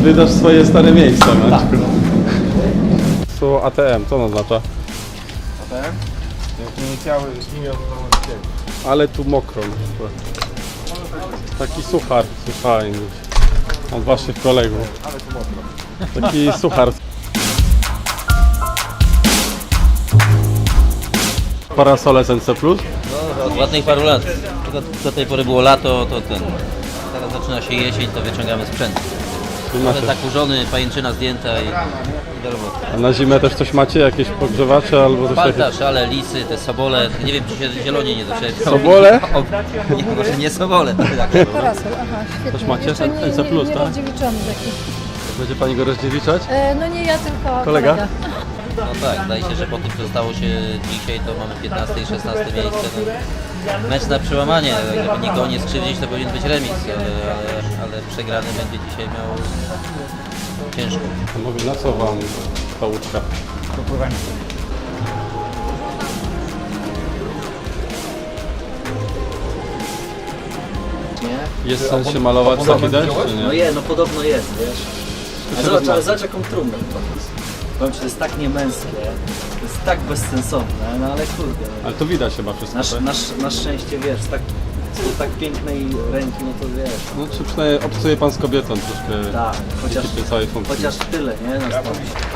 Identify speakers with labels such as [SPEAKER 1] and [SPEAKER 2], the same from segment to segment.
[SPEAKER 1] Zwiedzasz swoje stare miejsca,
[SPEAKER 2] Tak.
[SPEAKER 1] Maćku. Słowo ATM, co ono oznacza?
[SPEAKER 2] ATM? Inicjały imion założycieli.
[SPEAKER 1] Ale tu mokro. Taki suchar, słyszałem gdzieś od waszych kolegów.
[SPEAKER 2] Ale tu mokro.
[SPEAKER 1] Taki suchar. Parasole SNC+.
[SPEAKER 3] No, od ładnych paru lat. Tylko do tej pory było lato, to ten. Teraz zaczyna się jesień, to wyciągamy sprzęt. Ale zakurzony, pajęczyna zdjęta i do roboty.
[SPEAKER 1] A na zimę też coś macie? Jakieś podgrzewacze albo coś takiego?
[SPEAKER 3] Palta, szale, lisy, te sobole. Nie wiem, czy się zielonie nie doczepią.
[SPEAKER 1] Sobole?
[SPEAKER 3] Nie, może nie sobole. Tak.
[SPEAKER 4] Parasol, aha, świetnie.
[SPEAKER 1] Też macie?
[SPEAKER 4] Jeszcze
[SPEAKER 1] NC+,
[SPEAKER 4] nie
[SPEAKER 1] tak?
[SPEAKER 4] rozdziewiczony taki.
[SPEAKER 1] Będzie pani go rozdziewiczać?
[SPEAKER 4] No nie ja, tylko
[SPEAKER 1] Kolega?
[SPEAKER 3] No tak, zdaje się, że po tym, co stało się dzisiaj, to mamy 15 i 16 miejsce. No, mecz na przełamanie, żeby nikogo nie skrzywdzić, to powinien być remis, ale przegrany będzie dzisiaj miał ciężko.
[SPEAKER 1] A mówię, na co wam ta łódka?
[SPEAKER 2] Do pływania.
[SPEAKER 5] Nie?
[SPEAKER 1] Jest sens się malować taki deszcz, czy
[SPEAKER 5] No
[SPEAKER 1] nie?
[SPEAKER 5] no podobno jest, wiesz. Ale zobacz jaką trumnę pokaz. Powiem ci, to jest tak niemęskie, to jest tak bezsensowne, no ale kurde.
[SPEAKER 1] Ale to widać chyba wszystko, tak?
[SPEAKER 5] Na szczęście, wiesz, z tak pięknej ręki, no to wiesz.
[SPEAKER 1] No czy przynajmniej obcuje pan z kobietą troszkę
[SPEAKER 5] Tak, chociaż,
[SPEAKER 1] w całej funkcji.
[SPEAKER 5] chociaż tyle, nie? Na stole.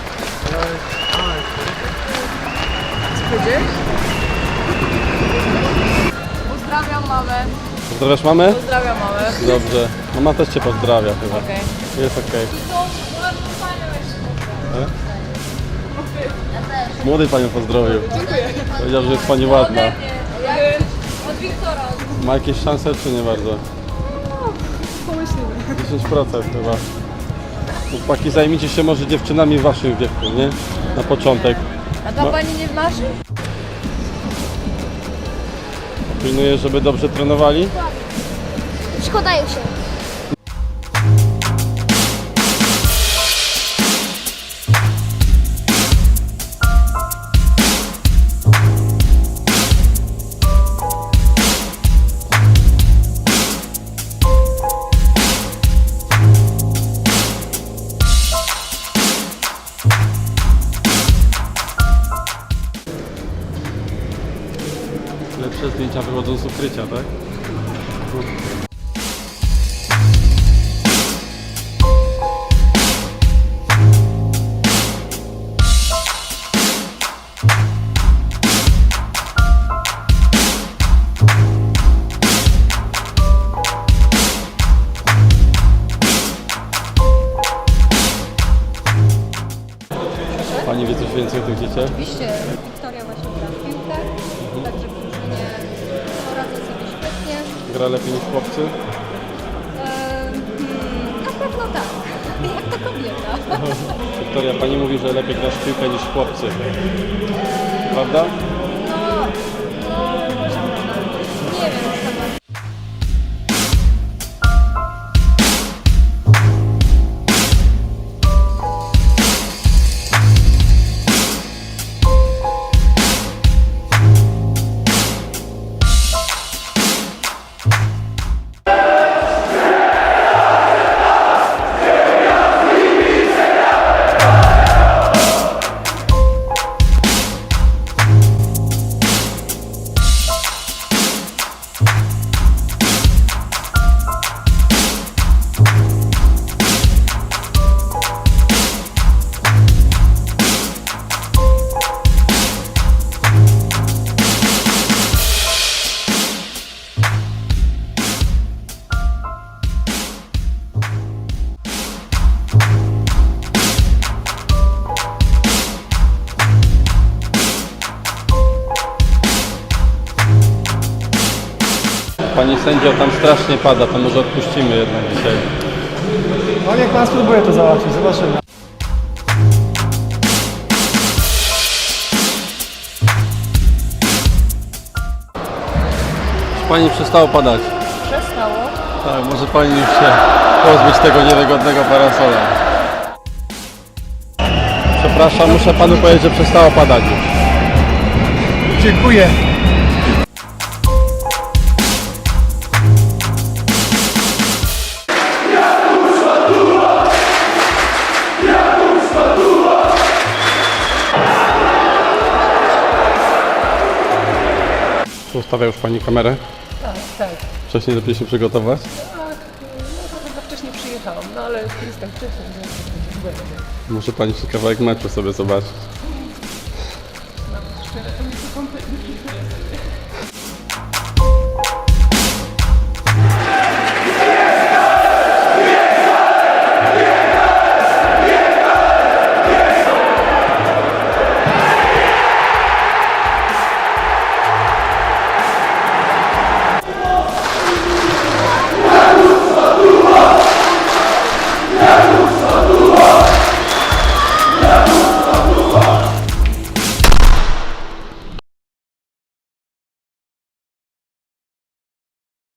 [SPEAKER 6] Pozdrawiam mamę.
[SPEAKER 1] Pozdrawiasz mamę?
[SPEAKER 6] Pozdrawiam mamę.
[SPEAKER 1] Dobrze. Mama też cię pozdrawia chyba.
[SPEAKER 6] Okej.
[SPEAKER 1] Jest okej. Młody panią pozdrowił. Powiedział, że jest pani ładna.
[SPEAKER 6] Od Wiktora.
[SPEAKER 1] Ma jakieś szanse czy nie bardzo?
[SPEAKER 6] Pomyślimy.
[SPEAKER 1] 10% chyba. Chłopaki, zajmijcie się może dziewczynami w waszym wieku, nie? Na początek.
[SPEAKER 6] A ta pani nie w naszym?
[SPEAKER 1] Pilnuję, żeby dobrze trenowali.
[SPEAKER 4] Szkodają się.
[SPEAKER 1] Lepsze zdjęcia wychodzą z ukrycia, tak? Pani wie coś więcej o tych dzieciach?
[SPEAKER 4] Oczywiście Wiktoria właśnie gra w piłkę, także w drużynie poradzę sobie świetnie.
[SPEAKER 1] Gra lepiej niż chłopcy?
[SPEAKER 4] Na pewno tak, jak ta kobieta.
[SPEAKER 1] Wiktoria, pani mówi, że lepiej grasz w piłkę niż chłopcy. Prawda?
[SPEAKER 4] Nie wiem, sama.
[SPEAKER 1] Pani sędzio, tam strasznie pada, to może odpuścimy jednak dzisiaj.
[SPEAKER 2] No niech pan spróbuje to załatwić, zobaczymy.
[SPEAKER 1] Pani przestało padać.
[SPEAKER 4] Przestało.
[SPEAKER 1] Tak, może pani już się pozbyć tego niewygodnego parasola. Przepraszam, muszę panu powiedzieć, że przestało padać już.
[SPEAKER 2] Dziękuję.
[SPEAKER 1] Ustawia już Pani kamerę?
[SPEAKER 7] Tak.
[SPEAKER 1] Wcześniej lepiej się przygotować?
[SPEAKER 7] Tak, no to chyba wcześniej przyjechałam, no ale jest tak wcześniej, że będzie.
[SPEAKER 1] Może Pani się kawałek meczu sobie zobaczyć.
[SPEAKER 7] Szczerze, to mi się kompletnie